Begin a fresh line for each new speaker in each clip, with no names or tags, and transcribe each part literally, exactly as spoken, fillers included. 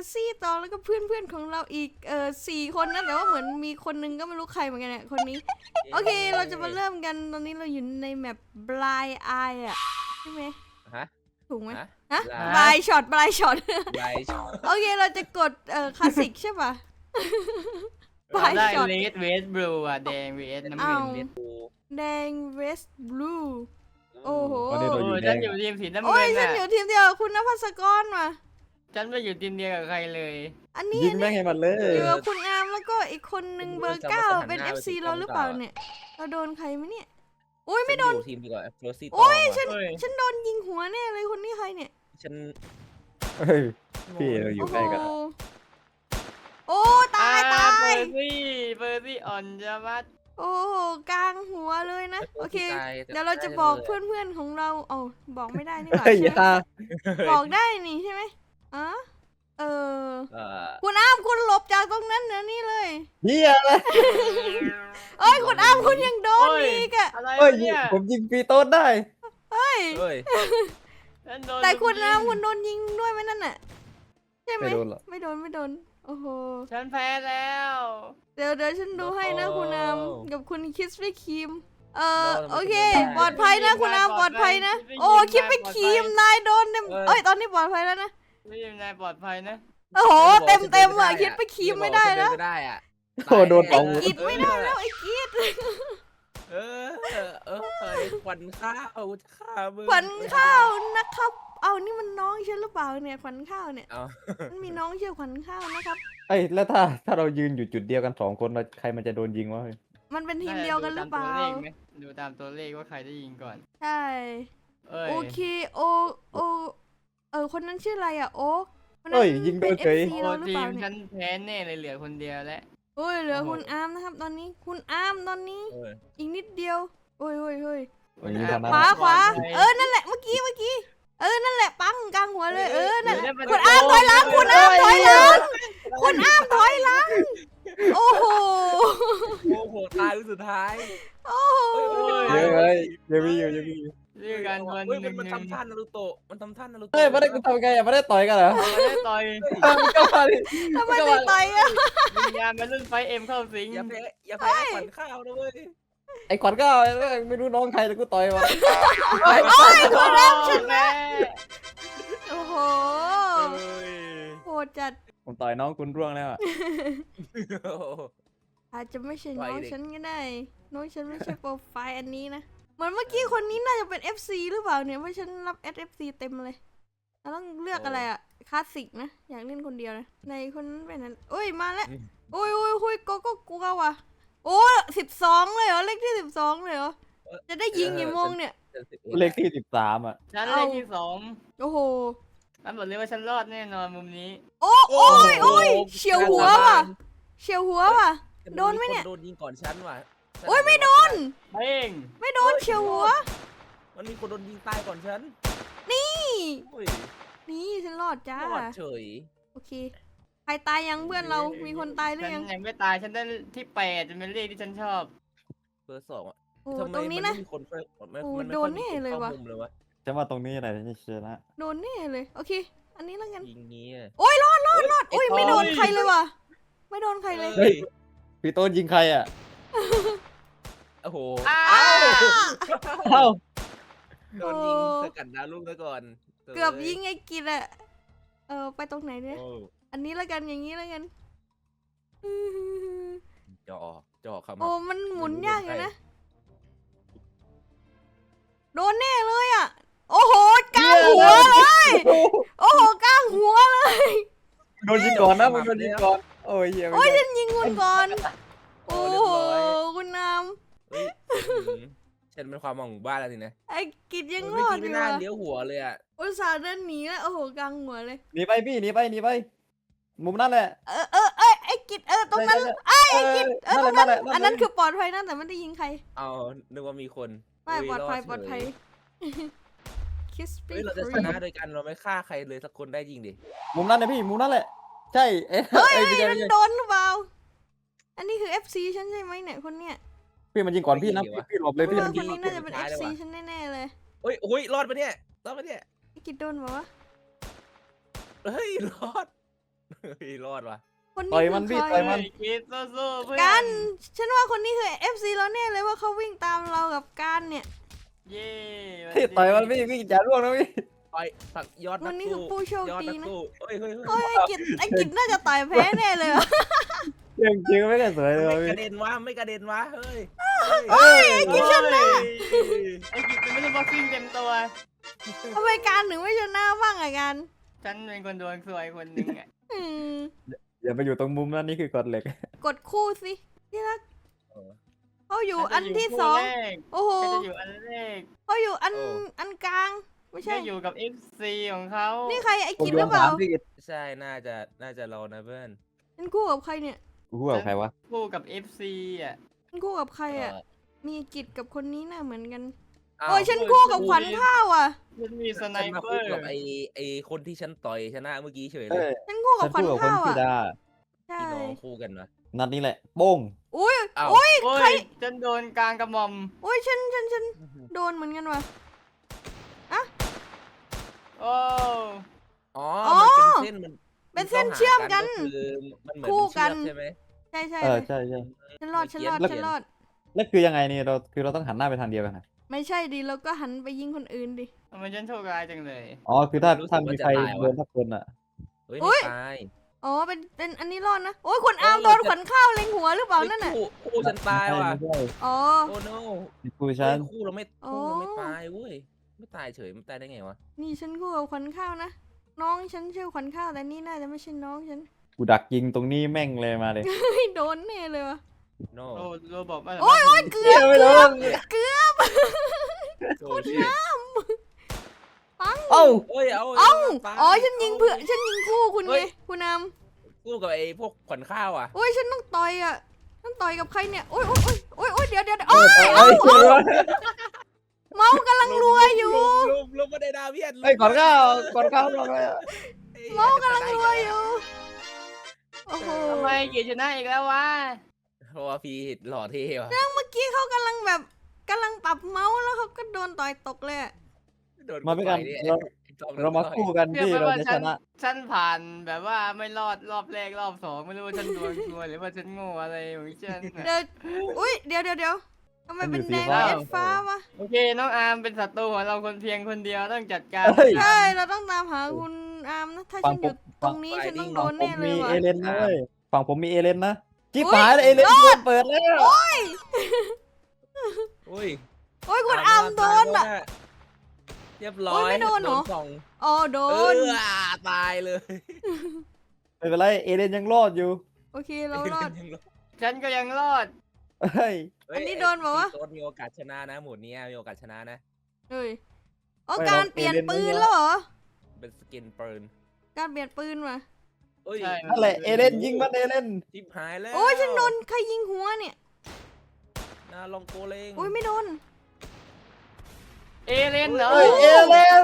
ซี่ต่อแล้วก็เพื่อนเพื่อนของเราอีกเออสี่คนนะแต่ว่าเหมือนมีคนนึงก็ไม่รู้ใครเหมือนกันเนี่ยคนนี้โอเคเราจะมาเริ่มกันตอนนี้เราอยู่ในแมป Blind Eye อ่ะใช่ไหม
ฮะ
ถูกไหม
ฮะ
ฮะ
Blind
Blind Shot Blind Shot
ไลชอ
โอเคเราจะกดเอ่อคลาสสิกใช่ป่ะ Blind
ได้
Shot
เลดเวสบลูอ่ะแดงเวสน้ำเงิน
เอา
เวส
แดง Red Blue โอ้โห
ตอนนี้เรา
โอ้
อยู่
ย
แด
ฉัน
ง
อยู่ทีมสีน้ำ
โอ้
เงิ
ย
น
ฉัน
อ่ะ
อยู่ทีมเดียวกับคุณนภัสกรมา
ฉันไม่อยู่ทีมเดียวกับใครเลย
อันนี้
ยิงแม่งให้มันเล
อย ยู่กับคุณอาร์มแล้วก็อีกคนนึงเบอร์เก้าเป็น เอฟ ซี เราหรือเปล่าเนี่ยเราโดนใครไหมเนี่ยโอ้ยไม่โดน
ทีมดีกว่าโรซี่
โอ้ย
ฉั
ฉั
น
น
เฮ้ย
ฉันโดนยิงหัวแน่เลยคนนี้ใครเนี่ย
ฉัน
เฮ้ยพี่เราอยู่
โอ้โห
ใกล้กัน
โอ้ตายตา
เปอย ร์ซี่เปอร์ซี่อ่อนจะมัด
โอ้โหกลางหัวเลยนะโอเคเดี๋ยวเราจะบอกเพื่อนๆของเราเอ้าบอกไม่ได้นี่หว่า
เฮ้ย
ใช่
อ
ไหม
ย่า
บอกได้นี่ใช่ไหมอ๋อเออ
เอ่อ
คุณอาร์มคุณหลบจากตรงนั้นเดี๋ยวนี้เลย
เฮียอะไร
เอ้ยคุณอาร์มคุณยังโดนอีกอะ
อะไร
เฮ้ยว
ะเนี่ย
ผมยิงฟรีโต้ได้
เฮ้ย
เฮ้ย
ฉันโดน
แต่คุณ
ยิ
นะ
ง
คุณโดนยิงด้วยไหมนั่นน่ะใช่ไหม
ไม่โดนหรอก
ไม่โดนไม่โดนโอ้โห
ฉันแพ้แล้ว
เดี๋ยวเดี๋ยวฉันดูให้นะคุณอามกับคุณคิสปี้ครีมเออ
เรา
โอเค
ไม่ได้
ปลอดภัยนะคุณอามปลอดภัยนะโอ้คิสปี้ครีมนายโดนเต็มเอ้ยตอนนี้ปลอดภัยแล้วนะ
ไม่ยังนายปลอดภัยนะ
โอ้โหเต็มเต็มอ่ะคิสปี้ครีมไม่ได้แล้ว
ไม่ได้อ่ะ
โอ้โดนสอง
กิดไม่ได้แล้วไอ้กิด
เออเออเออเออควันข้าวข้ามึง
ขวัญข้าวนะครับ เอานี่มันน้องฉันหรือเปล่าเนี่ยขวัญข้าวเนี่ย
เอา
มันมีน้องชื่อขวัญข้าวนะครับ
เอ้ยแล้วถ้าถ้าเรายืนอยู่จุดเดียวกันสองคนเราใครมันจะโดนยิงวะเฮ้ย
มันเป็นทีมเดียวกันหรือเปล่า
ดูตามตัวเลขว่าใครได้ยิงก่อน
ใช่
เอ้ย
โอเคโอโอเออคนนั้นชื่ออะไรอ่ะโอ๊คคนนั้น
เอ้ยยิงโดนเฉย
ป็ เอฟซี
โอ้
เราหรือ
ที
เปล่าม เนี่
ฉั
ย
นแพ้แน่เลยเหลือคนเดียวแล้ว
โอ้ยเหลือ
โอ้โห
คุณอาร์มนะครับ ตอนนี้คุณอาร์มตอนนี้
เออ
อีกนิดเดียวโอ้ยโอ้ยโอ้ย
อย่างนี้เท่านั้น
ขวาขวาเออนั่นแหละเมื่อกี้เมื่อกี้เออนั่นแหละปังกลางหัวเลยเออนั่นแหละคุณอาร์มถอยหลังคุณอาร์มถอยหลังคุณอาร์มถอยหลังโอ้โห
โอ้โหตายสุดท้าย
โอ้โห
เยอะเลยเยอะมีอยู่เยอะมีอยู่
เรื่องการดวล
เฮ้ย
ห
มั
นึ่
น
ง
มัน
หนึ่ง
ทำท่านารูโตะมันทำท่านารูโตะ
เฮ้ยไม่ได้กูทำไงอ่ะไม่ได้ต่อยกันเหรอ
ไม่ได้ต่อย
ก็มาดิ
ทำไมไม่ไปอ่ะ
วิญญาณมันรุ่นไฟเอ็มเข้าสิง
อย่าแพ้อย่าแพ้ขวัญข้าวนะเว้ย
ไอ้ขวัญก็ไม่รู้น้องใครแต่กูต่อยวะ
โอ้ยคุณอาร์มช
แม่
โอ้โห
เฮ้ย
โหดจัด
ผมต่อยน้องคุณร่วงแล้วอ่ะ
อาจจะไม่ใช่
ไว้
น้อง
เด็ก
ฉันก็ได้ น้องฉันไม่ใช่โปรไฟล์อันนี้นะ เหมือนเมื่อกี้คนนี้น่าจะเป็น เอฟ ซี หรือเปล่าเนี่ยเพราะฉันรับ เอฟ ซี เต็มเลยเราต้องเลือกอะไรอะคลาสสิกนะ อยากเล่นคนเดียวนะ ในคนนั้นเป็นนั้นโอ้ยมาแล้วโอ้ยโอ้ยโอ้ยโกโก็กลัวว่ะ โอ้สิบสองเลยเหรอ เลขที่สิบสองเลยเหรอ จะได้ยิงกี่โมงเนี่ย
เลขที่สิบสามอ่ะ
ฉันเลขที่สอง
โอ้โห
ฉันบอกเลยว่าฉันรอดแน่นอนมุมนี้
โอ้โอ้ยโอ้ยเฉียวหัวว่ะ เฉียวหัวว่ะ โดนไหมเนี่ย
โดนยิงก่อนฉันว่ะ
โอ้ยไม่โดน
เพ่ง
ไม่โดนเฉียวหัว
มันมีคนโดนยิงตายก่อนฉัน
นี่
โอ้ย
นี่ฉันรอดจ้า
รอดเฉย
โอเค ใครตายยังเพื่อนเรา มีคนตายหรือ
ฉั
ยัง
นยังไม่ตายฉันได้ที่แปดจะเป็นเลขที่ฉันชอบ
เบอร์สองอ่ะ
โอ้
ทำไม
ตรงนี้
มั
นะ
ไม่มีคนค่อยมัน
โอ้
มันไม่
โด
ค่อน ย
แน่
มีคน
เลย
เข้า
ว่ะ
มุมเลยวะ
จะว่าตรงนี้อะไรจะชนะ
โดนแน่เลย โอเค อันนี้แล้วกัน
ยิงงี้อะ
โอ้ยรอดรอดรอดโอ้ย
โอ้ย
ไม่โดนใครเลยว่ะ ไม่โดนใครเลย
เฮ้ยพี่โต้นยิงใครอ่ะ
โอ้โห
อ้า
เอ้า
โดนยิงสกัดดาวลูกซะก่อน
เกือบยิงไอ้กิจอะเออไปตรงไหนเนี่ย
โอ้
อันนี้แล้วกันอย่างนี้แล้วกัน
จอจอครับ
โอ้มันหมุนยากอยู่นะ โดนแน่เลยอ่ะ โอ้โหกลางหัวเลย โอ้โหกลางหัวเลย
โดนยิงก่อนนะมึงโดนยิงก่อนโอ้ยเฮีย
โอ้
ไม่
ย
ได้
ฉันยิงคุณก่อน โอ้โหคุณน้
เฮ้ยอืมฉันเป็นความหวังของบ้านแล้วนี่นะ
ำไอ้กิจยังร
เมื่อ
อด
กี้
อ
ไม่
ยู่
น่า
อะ
เลี้ยวหัวเลยอ่ะ
อุตส่าห์เดินหนีแล้วโอ้โหกลางหัวเลย
หนีไปพี่หนีไปหนีไป มุมนั่นแหละ
เออเออเอยไอ้กิจเออตรงนั้น
ไอ้
ไอ้กิจเออตรงนั้น
แหละ
อันนั้นคือปลอดภัยนะแต่ไม่ได้ยิงใคร
เอานึกว่ามีคน
ไม่
เฮ้
ปลอดภัย
ร
ปลอดภัย คิส
เฉ
ปี้
เฮ้ยเราจะชนะโดยการเราไม่ฆ่าใครเลยสักคนได้จริงดิ
มุมนั้นนะพี่มุมนั่นแหละ ใช่เอ้ย
เฮ้ย
เอ้ยไม่ใช่
มั
ไม่
น
ใช่
โดนหรือเปล่า อันนี้คือ เอฟ ซี ฉันใช่ไหมเนี่ยคนเนี้ย
พี่มันยิงก่อนพี่นะพี่พี่หลบเลยพี่
ว่า
มัน
ค
ยิ
น
ง
นี้น่าจะเป็น เอฟ ซี ฉันแน่ๆเลย
เฮ้ยโอ้ยรอดปะเนี่ยรอดปะเนี่ย
ไอ้กิจโดนบอกว่า
เฮ้ยรอดเฮ้ยรอดว่ะ
คน
ต่อย
นี้
มัน
คื
พี่
อใค
ต่
ร
อยมัน
คิดสู้ๆเพื่อน
กัน ฉันว่าคนนี้คือ เอฟ ซี เราแน่เลยว่าเขาวิ่งตามเรากับการเนี่ย
เย้
พี่ต่อยมันพี่พี่อย่าร่วงนะพี่
ต่อยสักยอด
วั
นั
น
ก
นี้คือ
สู้
ผู้โชค
ยอด
ดี
นัก
นะ
สู้เฮ้ยเฮ้ยเฮ้ย
โอ้ยไอ้กิจไอ้กิจน่าจะต่อยแพ้แน่เลยว่ะ
เรื่องจริงไม่ได้สวยเลย
ไม่
ว่ะ
ก
พี่
ระเด็นวะไม่กระเด็นวะเฮ้ย
เฮ้ยไอ้กิจชนะไอ้กิจไม่ได้บ็อกซิ่งเต็มตัว
ทำไมการถึงไม่ชนะบ้างอะกัน
ฉันเป็นคนดวงสวยคนหนึ่งอ่ะ
อืม
อย่าไปอยู่ตรงมุมนั้นนี่คือกฎเหล็ก
กดคู่สิที่รัก
เออ
เขาอยู่อัน
ฉัจะ
ที่
คู่
สอง
แรก
โอ้โห
ฉันจะอยู่อันแรก
เขาอยู่อัน
โอ้
อันกลาง ไม่ใช่
ไม่อยู่กับ เอฟ ซี ของเขา
นี่ใครไอ้
ผม
กิจ
โด
หรื
น
อเป
สา
ล่าม
พี่กิต
ใช่น่าจะน่าจะเรานะเพื่อน
ฉันคู่กับใครเนี่ย
กูพูดกับใครวะ
คู่กับ เอฟ ซี อ่ะ
ฉันคู่กับใครอะ
เออ
มีกิจกับคนนี้น่าเหมือนกัน
อ้าว
โอ้ยฉันคู่กับขวัญข้าวอ่ะ
ฉันมีสไน
ฉันมา
เปอ
คู่
ร์
กับไอไอคนที่ฉันต่อยชนะเมื่อกี้เฉยเล
เอ้
ย
ย
ฉันคู่กั
ฉั
บ
น
ขวัญ
พูดกับคน
ข้าว
ชื่อ
อ่ะ
ดา
ใช่
พี่น้องคู่กันวะ
นัดนี้แหละโป้ง
อุ้ย
อ้าว
อุ้ย
โอ้
ใคร
ยฉันโดนกลางกระหม่อม
อุ้ยฉันฉันฉันโดนเหมือนกันว่ะ
โอ้
อ๋อ
อ๋อ
มันเป็นเส้นมัน
เป็นเส้นเชื่อมกัน
ก็คือมันเหมือน
คู่
เป็น
กั
เชือน กใช่ไหม
ใช่ใช่
เอ
เล
อย ใช่ใช่
ฉันรอดฉันรอด
เมื่อกี้
ฉันรอด
แล้วคือยังไงนี่เราคือเราต้องหันหน้าไปทางเดียวกันนะ
ไม่ใช่ดิเราก็หันไปยิงคนอื่นดิ
ทำไมฉันโชคร้ายจังเลย
อ๋อคือถ้าถ้ามีใครโดนทักคนอ่ะ
เฮ้ย
อุ๊
ไม่
ย
ตาย
อ๋อเป็นเป็นอันนี้รอดนะโอ้ยคุณอาร์มโดนขวัญข้าวเล็งหัวหรือเปล่านั่นน่ะ
คู่คู่ฉันตายว่ะ
ไม่ใช่
อ๋อ
โอ้ no
ไม่ใช่กู
เฮ้
ฉั
ย
น
คู่เราไม่
อ๋อ
คู่เราไม่ตายเว้ยไม่ตายเฉยมันตายได้ไงวะ
นี่ฉันคู่กับขวัญข้าวนะน้องฉันชื่อขวัญข้าวแต่นี่น่าจะไม่ใช่น้องฉัน
กูดักยิงตรงนี้แม่งเลยมาเลย
เฮ้ยโดนแน่เลยวะ
no
โอ้โรบอกว่า
โอ้ยโอ้ยเกือบ
ไม่โดน
เกือบ
โอ้ชิ
ปัง
เอ้า
เอ้ยเอา
เอ้า
ตาย
อ๋อฉันยิงเผื่อฉันยิงคู่คุณไงคุณอาม
คู่กับไอ้พวกขวัญข้าวอ่ะ
โอ้ยฉันต้องต่อยอ่ะต้องต่อยกับใครเนี่ยโอ้ยโอ้ยโอ้ยโอ้ยเดี๋ยวเดี๋ยวเดี๋ยว
เอ
โอ้
อย เอ้ยเอ้ย
เมาส์กำลังรัวอยู่
ลุมลุมมาได้ดาเวียน
เฮ้ยก่อนเข้าก่อนเข้าลงเลยอะ
เมาส์กำลังรัวอยู่โอ้โห
ทำไมเกียรติชนะอีกแล้ววะ
เพราะว่าพี่หล่อเท่ว่ะ
เมื่อกี้เขากำลังแบบกำลังปรับเมาส์แล้วเขาก็โดนต่อยตกเลยอะ
โดน
มาด้วยกัน
ต่อย
เรา
ไอ้จอม
เรามาคู่กัน
เชื่อ
ที่
ไหม
เรา
ว่า
จะ
ฉั
ช
น
นะ
ฉันผ่านแบบว่าไม่รอดรอบแรกรอบสองไม่รู้ว่าฉันดวงซวยหรือว่าฉันโง่อะไรของฉันน่ะ
เดี๋ยวอุ้ยเดี๋ยวเดี๋ยวเดี๋ยวทำไมเป็นแดง
มันอยู่สีฟ้า
เอ็ดฟ้าวะ
โอเคน้องอาร์มเป็นศัตรูของเราคนเพียงคนเดียวต้องจัดการ
เฮ้ย
ใช่เราต้องตามหาคุณอามนะถ้า
ฟั
ฉั
ง
นอยู่
ผม
ตรงนี้ฉันต้องโดน
ผ
แน่
ม
เล
มี
ยว่ะ
เอเลนนะเว้ยฝั่งผมมีเอเลนนะจิ๊บ
อุ๊ย
หายแล้วเอเลนโดนเปิดแล้ว
อุ้ย
โอ้ยคุณอามโดนอ่ะ
เรียบร้อ
โอ้
ย
ยไม่โดนเหรอ
สอง
อ๋อโด
เอน อตายเลย
ไม่เป็นไรเอเลนยังรอดอยู่
โอเคเรารอด
ฉันก็ยังรอด
เฮ้ย
เฮ้ย
อันนี้โดนบอกว่า
ไอ้โดนมีโอกาสชนะนะหมุดเนี้ยมีโอกาสชนะนะ
เอ้ยอ๋อการเปลี่ยนปืนแล้วเหรอ
เป็นสกินปืน
การเปลี่ยนปืนว่ะ
เอ้ย
ใช่
นั่นแหละเอเลนยิงมันเอเลน
จิบหายแล้ว
โอ้ยฉันโดนใครยิงหัวเนี่ย
นาลองโกเลง
โอ้ยไม่โดน
เอเลนเหรอ
เฮ้ยเอเลน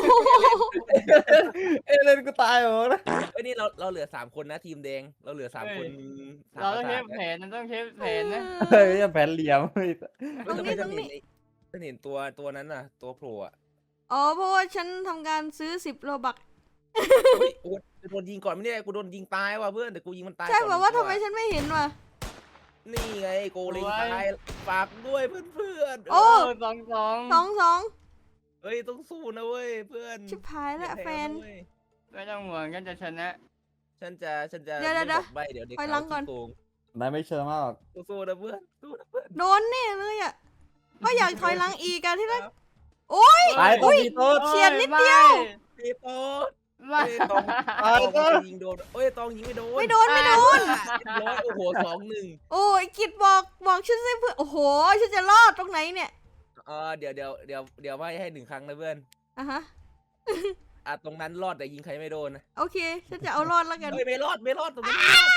เอเลนกูตายเหรอนะ
เอ้ยนี่เราเราเหลือสามคนนะทีมแดงเราเหลือสามคนสม
เราต้อง
ประ
เท
ส
ป
ท
แผนเราต้องเทปแผนนะ
เฮ้ยแผนเหลี่ยมเฮ้ย
เฮ้ย
ตรง
ทำไม
นี้
ฉั
ตรง
นเห็
นี้
นไอ้ฉันเห็นตัวตัวนั้นน่ะ ตัวโผล่อะ
อ๋อเพราะว่าฉันทำการซื้อสิบโลบัก
เฮ้ยโอ้ยโดนยิงก่อนไม่ได้กูโดนยิงตายว่ะเพื่อนแต่กูยิงมันตาย
ใช่
ก่อน
แบบว่า
ตั
ทำไมฉันไม่เห็นวะ
นี่ไงโกเลงตายฝากด้วยเพื่อนเพื่อน
โอ้
สองสอง
สองสอง
เฮ้ยต้องสู้นะเว้ยเพื่อน
ชิบหายแล้ว
อย่า
แฟ
พ้
น
เว้ย
ไม่ต้องห่วงกันจะชนะ
ฉันจะฉันจะ
เดี๋ยว
ไม่
เดี๋ยว
บอกใบเดี๋ยวเด็ก
ถอยหลังก่อน
เขาสู้
นายไม่เชื่อมากหรอก
สู้ๆนะเพื่อนสู้นะเพื่อน
โดนแน่เลยอ่ะก็อยากถอยหลังอีกอะที่รัก
ตายตัวพี่โต๊ด
เฉียดนิดเดียว
ตีโต๊ด
ไม่
เอ้ยตอง
ตาย
ต
ซะ
องยิงโดนเอ้ยตองยิงไม่โดน
ไม่โดนไม่โดน
เรียบร้อยโอ้โหสองหนึ่ง
โอ้ยกิดบอกบอกฉันสิเพื่อนโอ้โหฉันจะรอดตรงไหนเนี่ย
เออเดี๋ยวเดี๋ยวเดี๋ยวเดี๋ยวไม่ให้หนึ่งครั้งนะเพื่อน
อ่ะฮะ
อ่ะตรงนั้นรอดแต่ยิงใครไม่โดนนะ
โอเค ฉันจะเอารอดแล้วกัน
เฮ้ยไม่รอดไม่รอดตรงนี้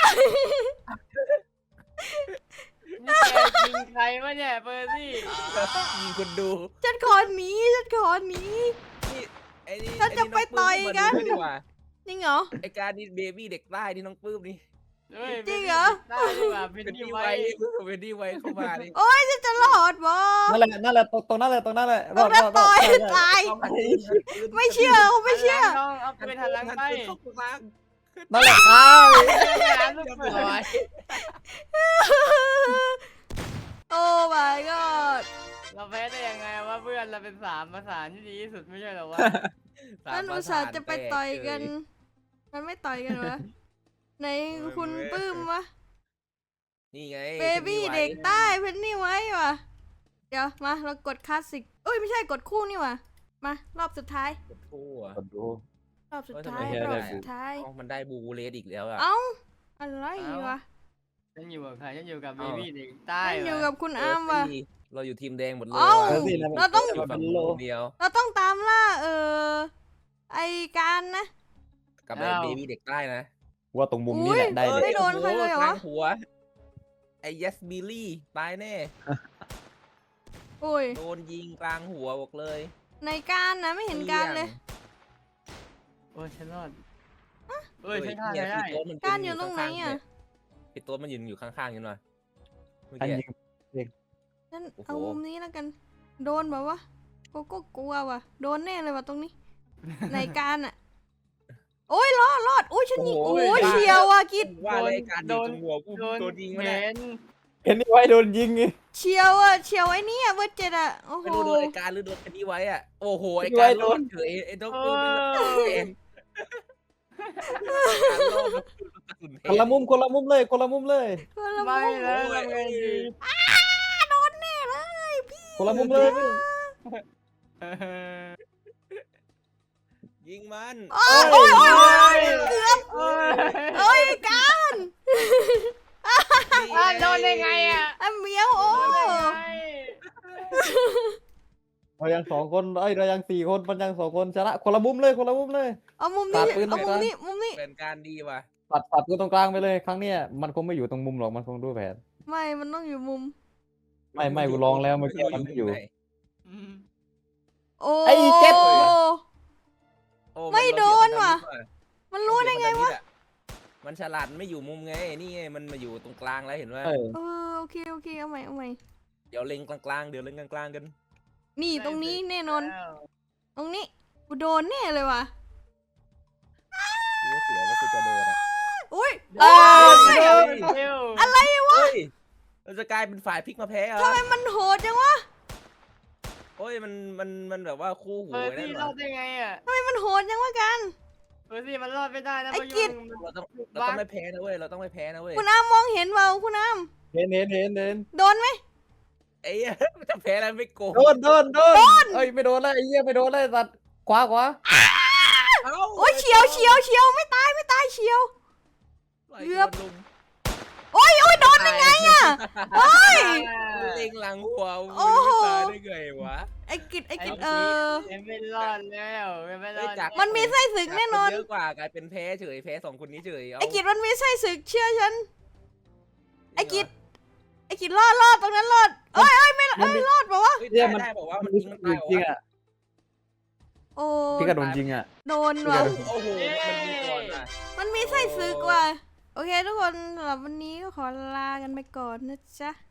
นี่แกยิงใครวะเนี่ยเปอร์ซี่
ยิงคนดู
ฉันขอหนีฉันขอหนี
ไอ้นี่
ฉันจะไปต่อยกัน
ไอ้นี่องปื้มมาดูด้วยดีกว่า
จริงเหรอ
ไอ้การนี่เบบี้เด็กใต้นี่น้องปื้มนี่
ฮ้ย
จริงเหรอ
ได้ดีกว่าเป็น
เป็น
ที่
ดี
ไว้
ไว้เป็นดีไว้เข้ามานี่
โอ้ยฉันจะรอดบอ
นั่นแหละนั่นแหละตรงตรงนั้นแหละตรงนั้นแหละร
ต้
อ
อง
ด
นั
ร
บ
อดร
ต่
อ
อ
ด
ย
ใช่ใช่
ตาย
ต้องหันปืน
ไม่เชื่อเขาไม่เชื่อ
หันหลังน้องเอาปืนหันหลังไป
หันปืนเข้าข้าง
นั่นแหละตาย
เรียบร้อย
โอ้ my god
เราแพ้ได้ยังไงวะเพื่อนเราเป็นสามประสานที่ดีที่สุดไม่ใช่เหรอวะ
นั่นอุตส่าห์จะไปต่อยกัน มันไม่ต่อยกันวะไหนคุณปื้มวะ
นี่ไง
เบบี้เด็กใต้เพนนี่ไว้วะเดี๋ยวมาเรากดคลาสสิกเอ้ยไม่ใช่กดคู่นี่วะมารอบสุดท้าย
กดคู่อะ
กดดู
รอบสุด
เอ้ย
ท้าย
ทำไม
รอบ
ได้
สุดท้าย
เอ้ามันได้บูเลสอีกแล้วอะ
เอ้าอะไรวะ
ฉันอยู่กับใครฉันอยู่กับเบ
อ้าว
บี้เด็กใต้
นั่นอยู่
วะ
กับคุณอามวะ
เออสิเราอยู่ทีมแดงหมดเลย
เอ้า
ว่ะ
เออสินะ
เราต้อง
อยู่ฝั่งนู้นคนเดียว
เราต้องตามล่าเออไอการนะ
กับไอ้เบบี้เด็กใต้นะ
ว่าตรงมุมนี้แหละได้
อุ้
เลย
ไม่โดนใครเลยเหรอ
กางหัวไอ้ยัสบิลลี่ตายแน่
โอ้ย
โดนยิงกลางหัวบอกเลย
ในการนะไม่เห็นการเลย
โอ้ยฉันรอดเอ้ยฉันฆ่าใครได้
พี่โต๊ดมัน
การอยู่ตรงไหนอ่ะ
พี่โต๊ดมันยืนอยู่ข้างๆกันหน่อยเมื่อ
อัน
กี้
ยิง
นั่น
โอ้โห
เอามุมนี้แล้วกัน โดนแบบว่าโกโก้กลัวว่ะ โดนแน่เลยว่ะตรงนี้ ในการอ่ะ โอ้ยรอดรอดโอ้ยฉันยิงโอ้ยเฉียวอ่ะกิด
ว่าเลยการยิงตรงหัวกู
โดน
โดนยิงมาเนี่
เห็
ย
น
เห็นนี่ไว้โดนยิงไง
เฉียวอ่ะเฉียวไอ้นี่อ่ะเบอร์เจ็ดอ่ะโอ้โห
ไม่รู้โดนไอ้การหรือโดนไอ้นี่ไว้อะโอ้โหไอ้
ไว้
การ
โด
โด
น
นเฉยไอ้ด็อก
เอ
เตอร์ไม่
อ
เป็นการโดนกระสุนเพ
คนละมุมคนละมุมเลยคนละมุมเลย
คนละ
ไม่
มุม
แล้วทำไงดี
โดนแน่เลยพี่
คนละมุมเลย
เออ
ยิงมัน
โอ้ยโอ้ยโอ้ยโอ้ยเกือบ
เอ้ย
โอ้ยการ
อ่ะโดนได้ไงอ่ะ
ไอ้เหมียวโอ้
โดนได้ไง
เรายังสองคนเอ้ยเรายังสี่คนมันยังสองคนชนะคนละมุมเลยคนละมุมเลย
เอามุม
ตั
นี้
ดปืน
เอา
หน่อย
มุม
นะ
นี้มุมนี้
เป็นการดีว่ะ
ตัดตัดกูตรงกลางไปเลยครั้งเนี้ยมันคงไม่อยู่ตรงมุมหรอกมันคงดูแผน
ไม่มันต้องอยู่มุม
ไม่ไม่กูลองแล้วเมื่อกี้มันไม่อยู่
ไห
อืม
โอ้
ไอ้เจ็ด
โอ้
ไม่
เรา
โดน
เสีย
ว่ะ
พันธมิตร
มันรู้ได้ไงวะ
มันฉลาดไม่อยู่มุมไงนี่ไงมันมาอยู่ตรงกลางแล้วเห็นไหม
เออ
เออโอเคโอเคเอาใหม่เอาใหม่
เดี๋ยวเล็งกลางๆเดี๋ยวเล็งกลางๆกัน
นี่ตรงนี้แน่นอน
แล้ว
ตรงนี้กูโดนแน่เลยว่ะ
กูว่าเสือว่ากูจะโดนอ่ะ
อุ้ย
เอ้
โอ้ย
ยเร็ว
อะไรวะ
เฮ้ยเราจะกลายเป็นฝ่ายพลิกมาแพ้เหรอ
ทำไมมันโหดจังวะ
โอ้ยมันมันมันแบบว่าคู่หู
เออ
ไว้นั่
ซี่
น
ร
หร
อ
อ
ดได้ไงอ่ะ
ทำไมมันโหดจังวะกัน
เออซี่มันรอดไม่ได้นะ
ไอ้
เพราะ
กิจ
ยุงมัน
เราต้องเราต้องไม่แพ้นะเว้ยเราต้องไม่แพ้นะเว้ย
คุณอามมองเห็นเปล่าคุณอาม
เห็นเห็นเห็นเห็น
โดนไหม
ไอ้เหี้ยมันจะแพ้แล้วไม่โกง
โดนโดนโดนเอ้ยไม่โดนแล้วไอ้เหี้ยไม่โดนแล้วตัดขวาขวา
เอ้า
โอ้ยเฉียวเฉียวเฉียวไม่ตายไม่ตายเฉียว เกือบ
ลุม
โอ้ยโอ้ยโดนได้ไงอ่ะเฮ้ย
เล็งหลังหัว
โอ้โห
ไม่ตายได้ไงวะ
ไอ้กิจไอ้กิจ
ไอ้
เอ
กิจ
อ
ยังไม่รอดแล้วยังไม่รอด
เฮ้ยจาก
มันมีไส้ศึกแน่นอน
เยอะกว่ากลายเป็นแพ้เฉยแพ้สองคนนี้เฉยเอา
ไอ้กิจมันมีไส้ศึกเชื่อฉัน ไอ้กิจ ไอ้กิจรอดรอดตรงนั้นรอดเอ้ยเอ้ยไม่
มันมี
รอดเปล่าวะ
เฮ้ย
เนี่ย
ได้
มัน
ได้บอกว่า
มั
มัน น
มี
ยิงมัน
จ
ตาย
ริง
เหรอ
ๆอ่ะ
โอ้
ที่กระโดนยิงอ่ะ
โดนว่ะ
โอ้โหมันยิงก่อนอ่ะ
มันมีไส้ศึกว่ะ โอเคทุกคนสำหรับวันนี้ก็ขอลากันไปก่อนนะจ๊ะ